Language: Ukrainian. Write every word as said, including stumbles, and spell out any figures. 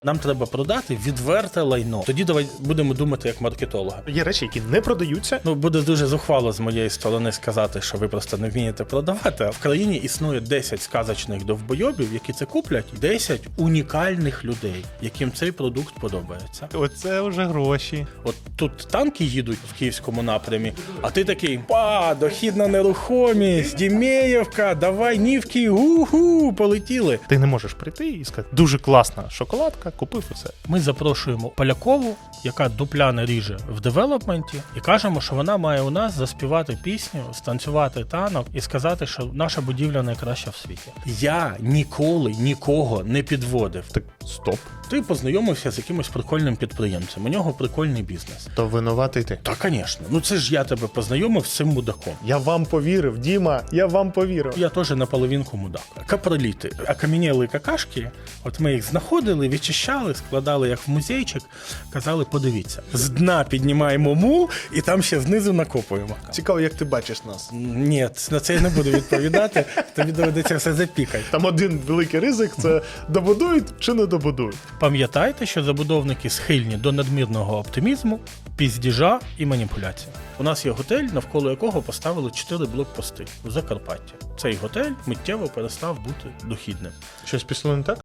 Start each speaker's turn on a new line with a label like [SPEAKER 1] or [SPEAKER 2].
[SPEAKER 1] Нам треба продати відверте лайно. Тоді давай будемо думати як маркетолога.
[SPEAKER 2] Є речі, які не продаються.
[SPEAKER 1] Ну, буде дуже зухвало з моєї сторони сказати, що ви просто не вмієте продавати. А в країні існує десять сказочних довбойобів, які це куплять, десять унікальних людей, яким цей продукт подобається.
[SPEAKER 2] Оце вже гроші.
[SPEAKER 1] От тут танки їдуть в київському напрямі, а ти такий: па, дохідна нерухомість, Дімеєвка, давай нівки, гу-гу, полетіли.
[SPEAKER 2] Ти не можеш прийти і сказати, дуже класна шоколадка, купив і все.
[SPEAKER 1] Ми запрошуємо Полякову, яка дупляне ріже в девелопменті, і кажемо, що вона має у нас заспівати пісню, станцювати танок і сказати, що наша будівля найкраща в світі. Я ніколи нікого не підводив.
[SPEAKER 2] Так, стоп.
[SPEAKER 1] Ти познайомився з якимось прикольним підприємцем, у нього прикольний бізнес.
[SPEAKER 2] То винуватий ти.
[SPEAKER 1] Та, звісно. Ну це ж я тебе познайомив з цим мудаком.
[SPEAKER 2] Я вам повірив, Діма, я вам повірив.
[SPEAKER 1] Я теж наполовинку мудак. Капроліти, окам'янілі какашки, от ми їх знаходили, відчищали, складали як в музейчик, казали, подивіться. З дна піднімаємо мул і там ще знизу накопуємо.
[SPEAKER 2] Цікаво, як ти бачиш нас.
[SPEAKER 1] Ні, на це я не буду відповідати, тобі доведеться все запікати.
[SPEAKER 2] Там один великий ризик – це добудують чи не добудують.
[SPEAKER 1] Пам'ятайте, що забудовники схильні до надмірного оптимізму, піздіжа і маніпуляцій. У нас є готель, навколо якого поставили чотири блокпости в Закарпатті. Цей готель миттєво перестав бути дохідним.
[SPEAKER 2] Щось пішло не так?